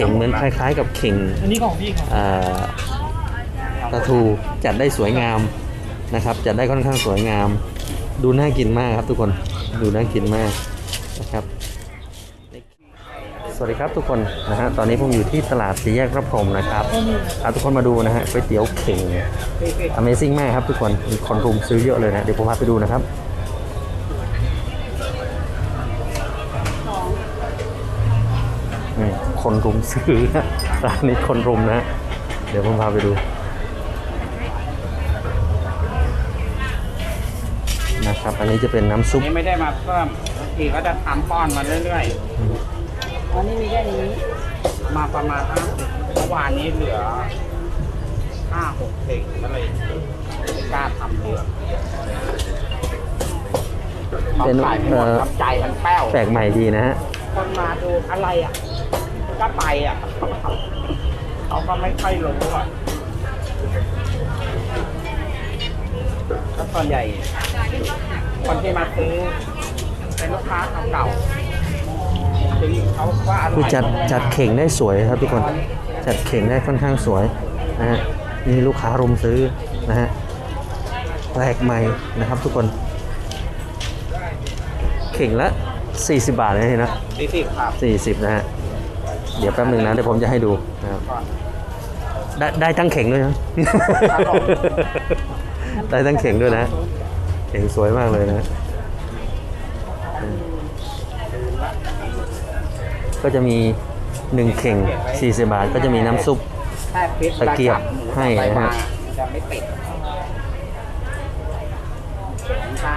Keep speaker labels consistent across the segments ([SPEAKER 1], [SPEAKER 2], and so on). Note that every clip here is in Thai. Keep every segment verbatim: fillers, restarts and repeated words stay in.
[SPEAKER 1] เข่งเหมือนคล้ายๆกับเข่ง
[SPEAKER 2] อันนี้ของพี่ครับ
[SPEAKER 1] เอ่อปลาทูจัดได้สวยงามนะครับจัดได้ค่อนข้างสวยงาม ดูน่ากินมากครับทุกคนดูน่ากินมากนะครับสวัสดีครับทุกคนนะฮะตอนนี้ผมอยู่ที่ตลาดสี่แยกพระพรหมนะครับพาทุกคนมาดูนะฮะก๋วยเตี๋ยวเข่ง Amazing มากครับทุกคนมีคนรุมซื้อเยอะเลยนะเดี๋ยวผมพาไปดูนะครับนี่คนรุมซื้อนะร้านนี้คนรุมนะเดี๋ยวผมพาไปดูนะครับอันนี้จะเป็นน้ำซุป
[SPEAKER 3] นี่ไม่ได้มาเพิ่มบางทีก็จะทำป้อนมาเรื่อยๆ
[SPEAKER 4] อ๋อนี่มีแค่นี้
[SPEAKER 3] มาประมาณห้าสิบเมื่อวานนี้เหลือห้าหกเศษก็เลยไม่กล้าทำเยอะ
[SPEAKER 1] เป็น
[SPEAKER 3] ขายไม่หมดครับใจมันแป้ว
[SPEAKER 1] แปลกใหม่ดีนะฮะ
[SPEAKER 3] คนมาดูอะไรอ่ะ ก็ไปอ่ะ เขาก็ไม่ค่อยรู้อ่ะก็ส่วนใหญ่ คนที่มาซื้อเป็นลูกค้าเก่าๆซื้อเขาว่าอร่
[SPEAKER 1] คือ
[SPEAKER 3] อย
[SPEAKER 1] จัดจัดเข่งได้สวยครับทุกคนจัดเข่งได้ค่อนข้างสวยนะฮะมีลูกค้ารุมซื้อนะฮะแปลกใหม่นะครับทุกคนเข่งละสี่สิบบาทเลยนะ
[SPEAKER 3] สี่สิบครับ
[SPEAKER 1] สี่สิบนะฮะเดี๋ยวแป๊บหนึ่งนะเดี๋ยวผมจะให้ดูนะครับได้ได้ทั้งเข่งด้วยนะได้ทั้งเข่งด้วยนะเข่งสวยมากเลยนะก็จะมีหนึ่งเข่งสี่สิบบาทก็จะมีน้ำซุป
[SPEAKER 3] แค่ฟิต
[SPEAKER 1] ตะเกียบให้นะฮะ
[SPEAKER 3] จะไม่ติดครับ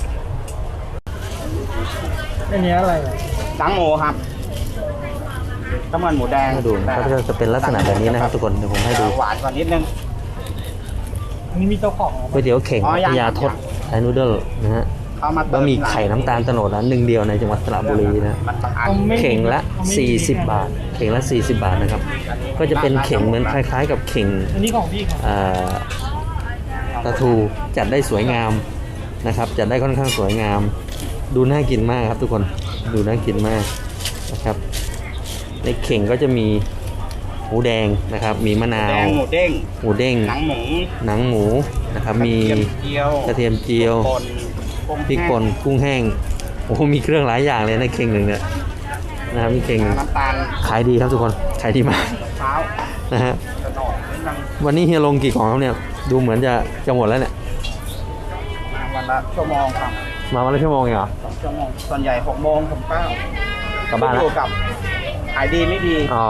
[SPEAKER 2] อันนี้อะไรอ่ะ
[SPEAKER 3] ดังหมูครับน้ำมันหมูแดง
[SPEAKER 1] ให้ดูนะก็จะเป็นลักษณะแบบนี้นะครับทุกคนเดี๋ยวผมให้ดู
[SPEAKER 3] หวานกว่านิดนึง
[SPEAKER 2] อันนี้มีเจ้าของเหรอ
[SPEAKER 1] ก๋วยเตี๋ยวเข่ง
[SPEAKER 3] อ๋อยัง
[SPEAKER 1] พญาทศไทยนูเดิลนะฮะ
[SPEAKER 3] เขามา
[SPEAKER 1] บะหมี่ไข่น้ำตาลโตโนดนะหนึ่งเดียวในจังหวัดสระบุรีนะ
[SPEAKER 3] มันอัน
[SPEAKER 1] เข่งละสี่สิบบาทเข่งละสี่สิบบาทนะครับก็จะเป็นเข่งเหมือนคล้ายๆกับเข่ง
[SPEAKER 2] อันนี้ของพี่ครับ
[SPEAKER 1] เอ่อปลาทูจัดได้สวยงามนะครับจัดได้ค่อนข้างสวยงาม ดูน่ากินมากครับทุกคนดูน่ากินมากนะครับในเข่งก็จะมีหมูแดงนะครับมีมะนา
[SPEAKER 3] แด
[SPEAKER 1] ว
[SPEAKER 3] งหมูเด้ง
[SPEAKER 1] หมูเด้ง
[SPEAKER 3] หนังหมู
[SPEAKER 1] หนังหมูนะครับมี
[SPEAKER 3] กระเทียมเจียว
[SPEAKER 1] กระเทียมเจียว
[SPEAKER 3] ป่นกุ้ง
[SPEAKER 1] พริกป่นกุ้งแห้งโอ้โหมีเครื่องหลายอย่างเลยในเข่งหนึ่งเนี่ยนะครับมีเข่ง
[SPEAKER 3] น้ำตาล
[SPEAKER 1] ขายดีครับทุกคนขายดีมาก
[SPEAKER 3] เท้า
[SPEAKER 1] นะฮะ
[SPEAKER 3] กระโดดนิดนึง
[SPEAKER 1] วันนี้เฮียลงกี่กล่องครับเนี่ยดูเหมือนจะจะหมดแล้วเนี่ย
[SPEAKER 3] มาวันละชั่วโมงครับ
[SPEAKER 1] มาวันละชั่วโมงเองเหรอ
[SPEAKER 3] สองชั่วโมงส่วนใหญ่หกโมงผมเก้าก
[SPEAKER 1] ลับบ้าน
[SPEAKER 3] อ
[SPEAKER 1] แล้ว
[SPEAKER 3] ยู่กับขายดีไม่ดี
[SPEAKER 1] อ๋อ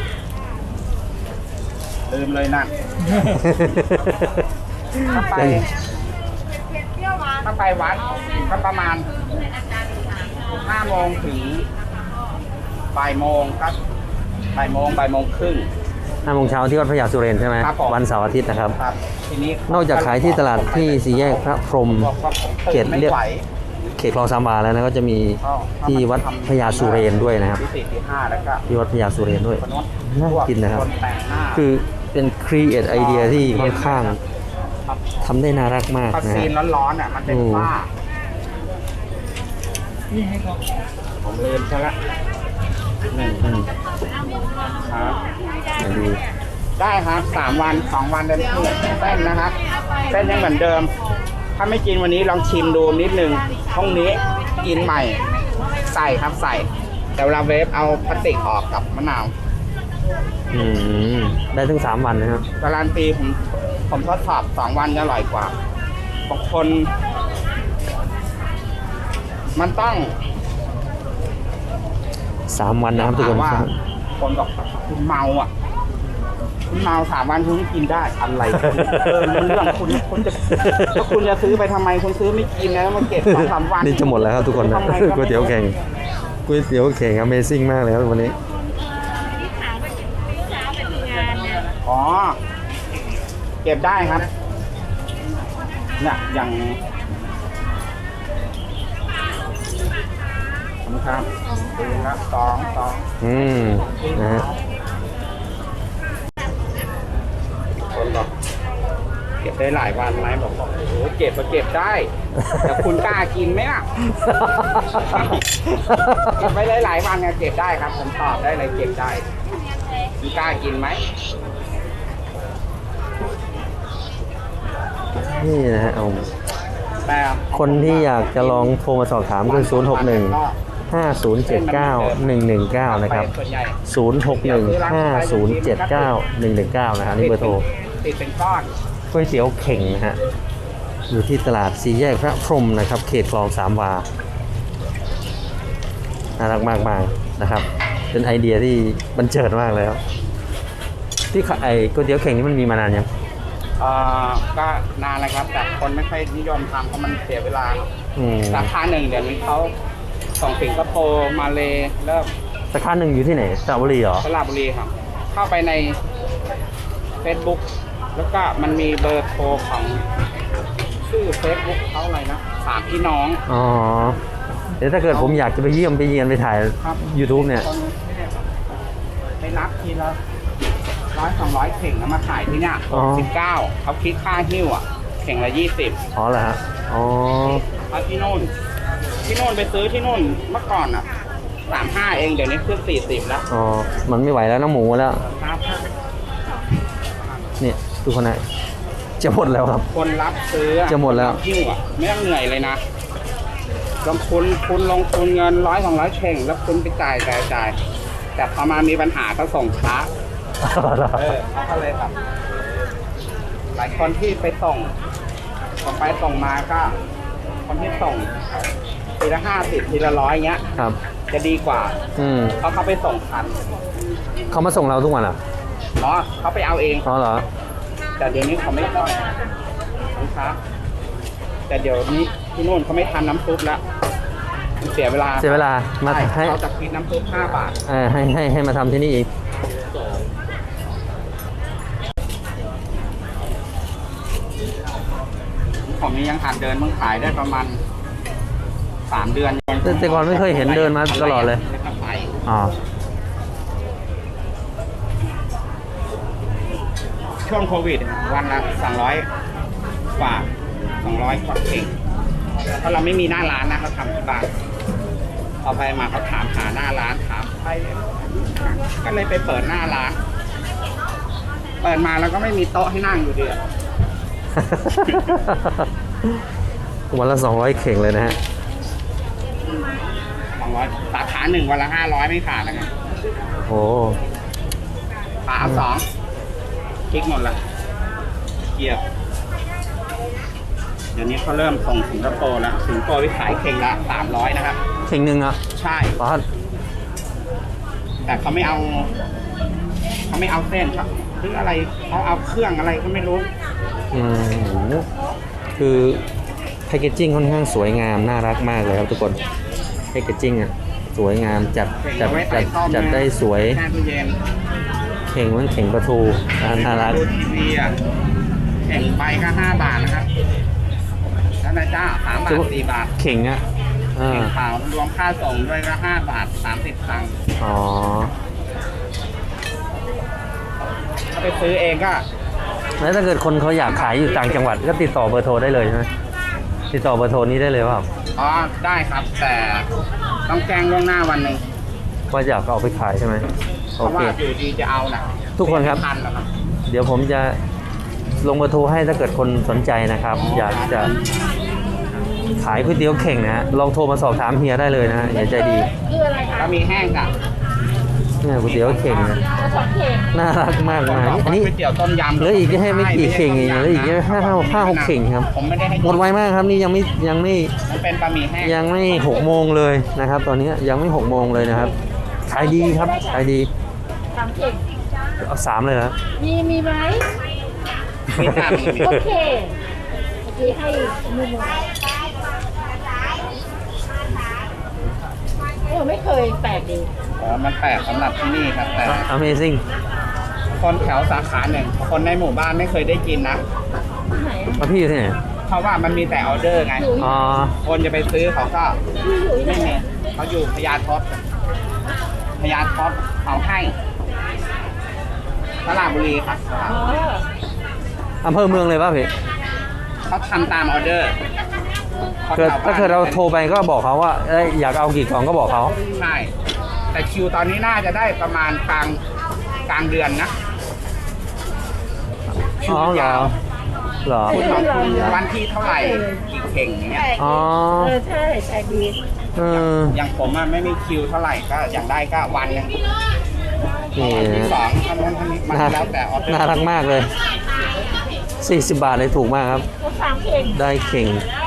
[SPEAKER 3] ลืมเลยนั่นถ้าไปถ้าไปวัดก็ประมาณห้าโมงถึงบ่ายโมงครับบ่ายโมงบ่ายโมงครึ่ง
[SPEAKER 1] ห้าโมงเช้าที่วัดพระยาสุเรนใช่ไหม
[SPEAKER 3] ครับผม
[SPEAKER 1] วันเสาร์อาทิตย์นะครับ
[SPEAKER 3] ครับทีนี้
[SPEAKER 1] นอกจากขายที่ตลาดที่สี่แยกพระพรหม
[SPEAKER 3] บอกว่าผม
[SPEAKER 1] เข
[SPEAKER 3] ตื่
[SPEAKER 1] ต
[SPEAKER 3] นไม่
[SPEAKER 1] เรียก
[SPEAKER 3] ไหว
[SPEAKER 1] เขตคลองสามวาแล้วนะก็จะมีที่วัดพระยาสุเรนด้วยนะครับ
[SPEAKER 3] ที่สี่ที่ห้าแล้วก็
[SPEAKER 1] ที่วัดพระยาสุเรนด้วย
[SPEAKER 3] คนนู้น
[SPEAKER 1] น่ากินนะครับ
[SPEAKER 3] คนแต่งหน้า
[SPEAKER 1] คือเป็นครีเอทไอเดียที่ค่อนข้าง
[SPEAKER 3] ครับ
[SPEAKER 1] ทำได้น่ารักมาก
[SPEAKER 3] พอ
[SPEAKER 1] นะ
[SPEAKER 3] ซี
[SPEAKER 1] ฮะ
[SPEAKER 3] นร้อนๆอ่ะมันเป็น
[SPEAKER 1] อืม
[SPEAKER 3] ฝ้า
[SPEAKER 2] นี่ให้เขา
[SPEAKER 3] ผมลืมซะละหนึ่ง
[SPEAKER 1] อืม
[SPEAKER 3] ครับ
[SPEAKER 1] อย่างดี
[SPEAKER 3] ได้ครับสามวันสองวันเดินที่เส้นนะครับเส้นยังเหมือนเดิม ถ้าไม่กินวันนี้ลองชิมดูนิดนึงพรุ่งนี้กินใหม่ ใส่ครับใส่ แต่เวลาเวฟเอาพลาสติกออกกับมะนาว
[SPEAKER 1] อืมได้ถึงสามวันนะครับ
[SPEAKER 3] การันตีผมผมทดสอบสองวันจะอร่อยกว่าบางคน มันต้อง
[SPEAKER 1] สามวันนะครับทุกคน
[SPEAKER 3] ว่าคนบอกคุณเมาอ่ะ คุณเมาสามวันคุณกินได้อะไรเออมันเรื่องคุณคุณจะถ้าคุณจะซื้อไปทำไมคุณซื้อไม่กินแล้วมาเก็บสองสามวัน
[SPEAKER 1] นี่จะหมดแล้วครับทุกคนนะ
[SPEAKER 3] ทำไมก็ไม่
[SPEAKER 1] ก๋วยเตี๋ยวเข่งก๋วยเตี๋ยวเข่ง Amazing มากเลยครับวันนี้
[SPEAKER 3] อ๋อ เก็บได้ครับ เนี่ยอย่างครับปืนละสองสอง
[SPEAKER 1] อืมนะฮะ
[SPEAKER 3] คนบอกเก็บได้หลายวันไหมบอกบอกโอ้โหเก็บมาเก็บได้ แต่คุณกล้ากินไหมล่ะ เก็บไว้ได้หลายวันเนี่ยเก็บได้ครับผมตอบได้เลยเก็บได้คุณกล้ากินไหม
[SPEAKER 1] นี่นะฮะเอา
[SPEAKER 3] แต่
[SPEAKER 1] คนที่อยากจะลองโทรมาสอบถามคือศูนย์ หก หนึ่ง ห้า ศูนย์ เจ็ด เก้า หนึ่ง หนึ่ง เก้านะครับ
[SPEAKER 3] ส่วนใหญ่
[SPEAKER 1] ศูนย์ หก หนึ่ง ห้า ศูนย์ เจ็ด เก้า หนึ่ง หนึ่ง เก้านะครับนี่เบอร์โทร
[SPEAKER 3] ติดเป็นก้อน
[SPEAKER 1] ก๋วยเตี๋ยวเข่งนะฮะอยู่ที่ตลาดสี่แยกพระพรหมนะครับ เขตคลองสามวาน่ารักมากมากๆนะครับ เป็นไอเดียที่บันเจิดมากเลยครับที่ไอ้ก๋วยเตี๋ยวเข่งนี่มันมีมานานยัง
[SPEAKER 3] เอ่อก็นานแล้วครับ แต่คนไม่ค่อยนิยมทำเพราะมันเสียเวลา
[SPEAKER 1] อืม
[SPEAKER 3] สาขาหนึ่งเดี๋ยวนี้เขาส่งสิงคโปร์มาเลเริ่ม
[SPEAKER 1] สาขาหนึ่งอยู่ที่ไหนสระบุรีเหรอ
[SPEAKER 3] สระบุรีครับ เข้าไปใน Facebook แล้วก็มันมีเบอร์โทรของชื่อ Facebook เขาอะไรนะสามพี่น้อง
[SPEAKER 1] อ๋อเดี๋ยวถ้าเกิดผมอยากจะไปเยี่ยมไปเยียนไปถ่าย
[SPEAKER 3] ครับ
[SPEAKER 1] YouTube เนี่ย
[SPEAKER 3] คนไปรับทีละร้อยสองร้อยเข่งแล้วมาขายที่เนี่ย
[SPEAKER 1] อ๋อ
[SPEAKER 3] สิบเก้าเขาคิดค่าหิ้วอ่ะ เข่งละยี่สิบ
[SPEAKER 1] อ๋อเหรอฮะอ๋อ
[SPEAKER 3] เอาที่โน่นที่โน่นไปซื้อที่โน่นเมื่อก่อนอ่ะสามห้าเองเดี๋ยวนี้ขึ้นสี่สิบแล้ว
[SPEAKER 1] อ๋อมันไม่ไหวแล้วน้ำหมูแล้ว
[SPEAKER 3] ครับ
[SPEAKER 1] เนี่ยทุกคนนะจะหมดแล้วครับ
[SPEAKER 3] คนรับซื้ออ
[SPEAKER 1] จะหมดแล้ว
[SPEAKER 3] รับหิ้วอ่ะไม่ต้องเหนื่อยเลยนะลงทุนคุณลงทุนเงินร้อยสองร้อยเข่งแล้วคุณไปจ่ายจ่ายจ่ายแต่พอมามีปัญหาเขาส่งช้า เออเขาก็เลยแบบหลายคนที่ไปส่งส่งไปส่งมาก็ คนที่ส่งทีละห้าสิบทีละร้อยเงี้ย
[SPEAKER 1] ครับ
[SPEAKER 3] จะดีกว่า
[SPEAKER 1] อืม
[SPEAKER 3] เพราะเขาไปส่งทัน
[SPEAKER 1] เขามาส่งเราทุกวันเหรอ
[SPEAKER 3] อ๋อเขาไปเอาเอง
[SPEAKER 1] อ๋อเหรอ
[SPEAKER 3] แต่เดี๋ยวนี้เขาไม่ค่อยลูกค้าแต่เดี๋ยวนี้ที่นู่นเขาไม่ทำน้ำซุปแล้วมันเสียเวลา
[SPEAKER 1] เสียเวลามา
[SPEAKER 3] ใช่
[SPEAKER 1] ให้
[SPEAKER 3] เขาจะคิดน้ำซุปห้าบาท
[SPEAKER 1] เอ่อให้ให้ให้มาทำที่นี่อีก
[SPEAKER 3] ผมนี้ยังหัดเดินเพิ่งขายได้ประมาณสามเดือน
[SPEAKER 1] แต่แต่ก่อนไม่เคยเห็นเดินมาตลอดเลย
[SPEAKER 3] ไป
[SPEAKER 1] อ๋อ
[SPEAKER 3] ช่วงโควิด วันละสองร้อยกว่าสองร้อยกว่าเข่งเพราะเราไม่มีหน้าร้านนะเขาทำที่บ้านเอาไปมาเขาถามหาหน้าร้านถามไปก็เลยไปเปิดหน้าร้าน เปิดมาแล้วก็ไม่มีโต๊ะให้นั่งอยู่ดีอะ
[SPEAKER 1] วันละสองร้อยเข่งเลยนะฮะ
[SPEAKER 3] สองร้อยสาขาหนึ่งวันละห้าร้อยไม่ขาดแล้วไง
[SPEAKER 1] โอ้
[SPEAKER 3] ฝาสองคลิกหมดละเกียบเดี๋ยวนี้เขาเริ่มส่งสิงคโปร์แล้วสิงคโปร์ไปขายเข่งละสามร้อยนะครับ
[SPEAKER 1] เข่งหนึ่งเหรอ่ะ
[SPEAKER 3] ใช่
[SPEAKER 1] ป๊อด
[SPEAKER 3] แต่เขาไม่เอาเขาไม่เอาเส้นครับหรืออะไรเขาเอาเครื่องอะไรก็ไม่รู้
[SPEAKER 1] อืมคือแพคเกจจิ้งค่อนข้างสวยงามน่ารักมากเลยครับทุกคนแพคเกจจิ้งอ่ะสวยงามจัดจัดจัดจัดได้สวย
[SPEAKER 3] แช่ตู้เย็น
[SPEAKER 1] เข่งเหมันเข่งประทูอ่าน่ารัก
[SPEAKER 3] ดูทีวีอ่ะแข่งไปก็ห้าบาทนะครับแล้วนะจ้าสามบาทสี่บาท
[SPEAKER 1] เข่งอ่ะอ่า
[SPEAKER 3] เข่งเปล่ารวมค่าส่งด้วยก็ห้าบาทสามสิบตังค์
[SPEAKER 1] อ๋อ
[SPEAKER 3] ถ้าไปซื้อเองก็
[SPEAKER 1] แล้วถ้าเกิดคนเขาอยากขายอยู่ต่างจังหวัดก็ติดต่อเบอร์โทรได้เลยใช่ไหมติดต่อเบอร์โทรนี้ได้เลยเปล่า
[SPEAKER 3] อ๋อได้ครับ แต่ต้องแจ้งล่วงหน้าวันหนึ่ง
[SPEAKER 1] ว่าอยากเอาไปขายใช่ไหม
[SPEAKER 3] เพ
[SPEAKER 1] โอ
[SPEAKER 3] ราะ
[SPEAKER 1] เค
[SPEAKER 3] ว่าอยู่ดีจะเอานะ
[SPEAKER 1] ทุกคนครับ
[SPEAKER 3] ไม่ทันหรอกครับ
[SPEAKER 1] เดี๋ยวผมจะลงเบอร์โทรให้ถ้าเกิดคนสนใจนะครับ อยากจะขายก๋วยเตี๋ยวเข่งนะฮะลองโทรมาสอบถามเฮียได้เลยนะฮะเฮียใจดี
[SPEAKER 3] แล้วมีแห้งกับ
[SPEAKER 1] เนี่ยก๋วยเตี๋ยวเข่งนะน่ารักมากมากอันนี้
[SPEAKER 3] ก๋วยเตี๋ยวต้มยำ
[SPEAKER 1] เหลืออีกแค่ไม่กี่เข่งเองเหลืออีกแค่ห้าห้าหกเข่งครับ
[SPEAKER 3] ผมไม่ได้ให้
[SPEAKER 1] หมดไวมากครับนี่ยังไม่ยังไม่
[SPEAKER 3] มันเป็นบะหมี่แห้ง
[SPEAKER 1] ยังไม่หกโมงเลยนะครับ ตอนนี้ยังไม่หกโมงเลยนะครับขายดีครับขายดี
[SPEAKER 4] สามเข่ง
[SPEAKER 1] เอาสามเลยนะ
[SPEAKER 4] มีมีไหม
[SPEAKER 3] มีค่ะมีมี
[SPEAKER 4] โอเคเมื่อกี้ให้มือมือเออไม่เคยแปลกดี
[SPEAKER 3] อ๋อมันแปลกสำหรับที่นี่ครับ แต่
[SPEAKER 1] Amazing
[SPEAKER 3] คนแถวสาขาหนึ่งคนในหมู่บ้านไม่เคยได้กินนะ
[SPEAKER 4] ที่ไหนอะ
[SPEAKER 1] มาพี่อยู่ที่ไหน
[SPEAKER 3] เพราะว่ามันมีแต่ออเดอร์ไง
[SPEAKER 4] อยู่
[SPEAKER 1] อ๋อ
[SPEAKER 3] คนจะไปซื้อเขาก็
[SPEAKER 4] อยู่อยู่ที่ไหน
[SPEAKER 3] ไม่มี
[SPEAKER 4] อะ
[SPEAKER 3] เขาอยู่พญาทศพญาทศเขาให้สระบุรีครับ
[SPEAKER 4] อ๋อ
[SPEAKER 1] อำเภอเมืองเลยป่ะพี่
[SPEAKER 3] เขาทำตามออเดอร์
[SPEAKER 1] เกิดถ้าเกิดเราโทรไปก็บอกเขาว่าเอ้ยอยากเอากี่กล่องก็บอกเขา
[SPEAKER 3] ใช่แต่คิวตอนนี้น่าจะได้ประมาณกลางกลางเดือนนะ
[SPEAKER 1] อ๋อเหรอเหรอ
[SPEAKER 3] คุณลองคุณวันที่เท่าไหร่กี่เข่งอย่างเงี้ย
[SPEAKER 1] อ๋อ
[SPEAKER 4] เออใช่แปลกดี
[SPEAKER 1] เออ
[SPEAKER 3] อย่างผมอะไม่มีคิวเท่าไหร่ก็อย่างได้ก็วันหนึง
[SPEAKER 1] นี่
[SPEAKER 3] วันที่
[SPEAKER 1] นะ
[SPEAKER 3] สองทำนั้นทำนี้มัน
[SPEAKER 1] น่า
[SPEAKER 3] แล้วแต่ออเดอร์
[SPEAKER 1] น่ารักมากเลยสี่สิบบาทเลยถูกมากครับ
[SPEAKER 4] ก็สามเข่ง
[SPEAKER 1] ได้เข่ง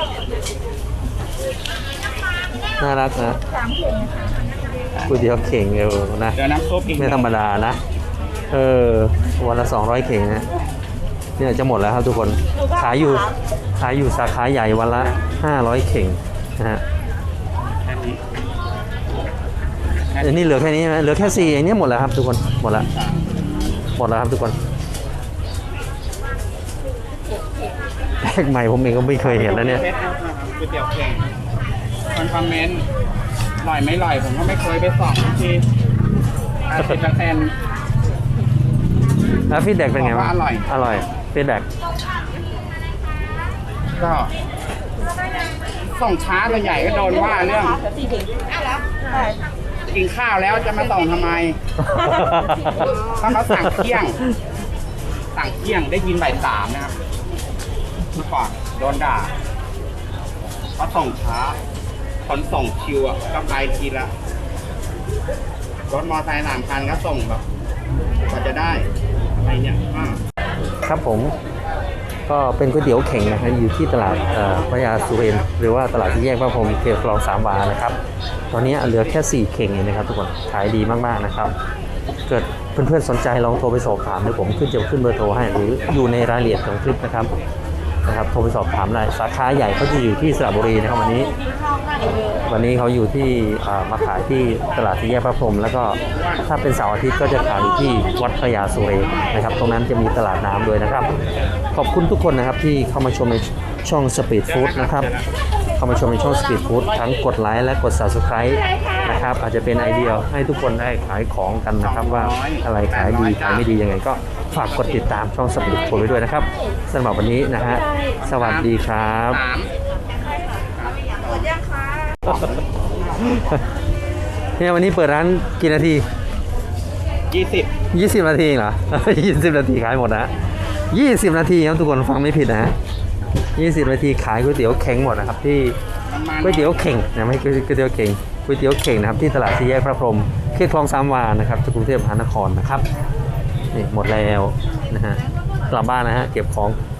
[SPEAKER 1] น่ารักนะ
[SPEAKER 4] สามเข่งนะคะ
[SPEAKER 1] ก๋วยเตี๋ยวเข่งเออนะ
[SPEAKER 3] เดี๋ยวน้ำซุปอีก
[SPEAKER 1] ไม่ธรรมดานะ เออ วันละสองร้อยเข่งนะเนี่ยจะหมดแล้วครับทุกคน ขายอยู่ ขายอยู่สาขาใหญ่วันละห้าร้อยเข่งนะฮะ
[SPEAKER 3] แค่นี้
[SPEAKER 1] อันนี้เหลือแค่นี้ใช่ไหมเหลือแค่สี่อันนี้หมดแล้วครับทุกคน หมดแล้ว หมดแล้วครับทุกคนแปลกใหม่ผมเองก็ไม่เคยเห็นแล้วเนี่ย
[SPEAKER 3] เฟซบุ๊กนะครับก๋วยเตี๋ยวเข่งคนคอมเมนต์อร่อยไม่อร่อยผมก็ไม่เคยไปส่องทีแปดสิบเปอร์เซ็นต์
[SPEAKER 1] แล้วฟีดแบ็กเป็นไงบ้าง
[SPEAKER 3] บอกว่าอร่อย
[SPEAKER 1] อร่อยฟีดแบ็ก
[SPEAKER 3] ก็ส่งช้าส่วนใหญ่ก็โดนว่าเรื่อง
[SPEAKER 4] สี่เข่งอ้าวเหรอใช่
[SPEAKER 3] กินข้าวแล้วจะมาส่งทำไม ถ้าเขาสั่งเที่ยง สั่งเที่ยงได้ยินบ่ายสามนะครับเมื่อก่อนโดนด่าเขาส่งช้าคนส่งคิวอ่ะก็ไปทีละรถมอเตอร์ไซค์สามคันก็ส่งแบบกว่าจะได้อะไรเนี่ยอ่า
[SPEAKER 1] ครับผมก็เป็นก๋วยเตี๋ยวเข่งนะครับอยู่ที่ตลาดเอ่อพระยาสุเรนหรือว่าตลาดที่แยกพระพรหมเขตคลองสามวานะครับตอนนี้เหลือแค่สี่เข่งเองนะครับทุกคนขายดีมากๆนะครับ เกิดเพื่อนๆสนใจลองโทรไปสอบถามหรือผมขึ้นจะขึ้นเบอร์โทรให้หรืออยู่ในรายละเอียดของคลิปนะครับนะครับโทรไปสอบถามได้สาขาใหญ่เขาจะอยู่ที่สระบุรีนะครับวันนี้ วันนี้เขาอยู่ที่อ่ามาขายที่ตลาดที่แยกพระพรหมแล้วก็ถ้าเป็นเสาร์อาทิตย์ก็จะขายอยู่ที่วัดพระยาสุเรนนะครับตรงนั้นจะมีตลาดน้ำด้วยนะครับ ขอบคุณทุกคนนะครับที่เข้ามาชมในช่องสปีดฟู้ดนะครับเข้ามาชมในช่องสปีดฟู้ดทั้งกดไลค์และกด ซับสไครบ์ นะครับอาจจะเป็นไอเดียให้ทุกคนได้ขายของกันนะครับว่าอะไรขายดีขายไม่ดียังไงก็ฝากกดติดตามช่องสปีดฟู้ดไว้ด้วยนะครับสำหรับวันนี้นะฮะสวัสดีครับ
[SPEAKER 3] สาม
[SPEAKER 1] เนี่ยวันนี้เปิดร้านกี่นาที
[SPEAKER 3] ยี่สิบ
[SPEAKER 1] ยี่สิบ นาทีเองเหรอ ยี่สิบ นาทีขายหมดนะยี่สิบ นาทีครับทุกคนฟังไม่ผิดนะยี่สิบ นาทีขายก๋วยเตี๋ยวเข่งหมดนะครับที่
[SPEAKER 3] ประมาณ
[SPEAKER 1] ก๋วยเตี๋ยวเข่งนะไม่ใช่ก๋วยเตี๋ยวเข่งก๋วยเตี๋ยวเข่งนะครับที่ตลาดสี่แยกพระพรหมเขตคลองสามวานะครับกรุงเทพมหานครนะครับนี่หมดแล้วนะฮะกลับบ้านนะฮะเก็บของ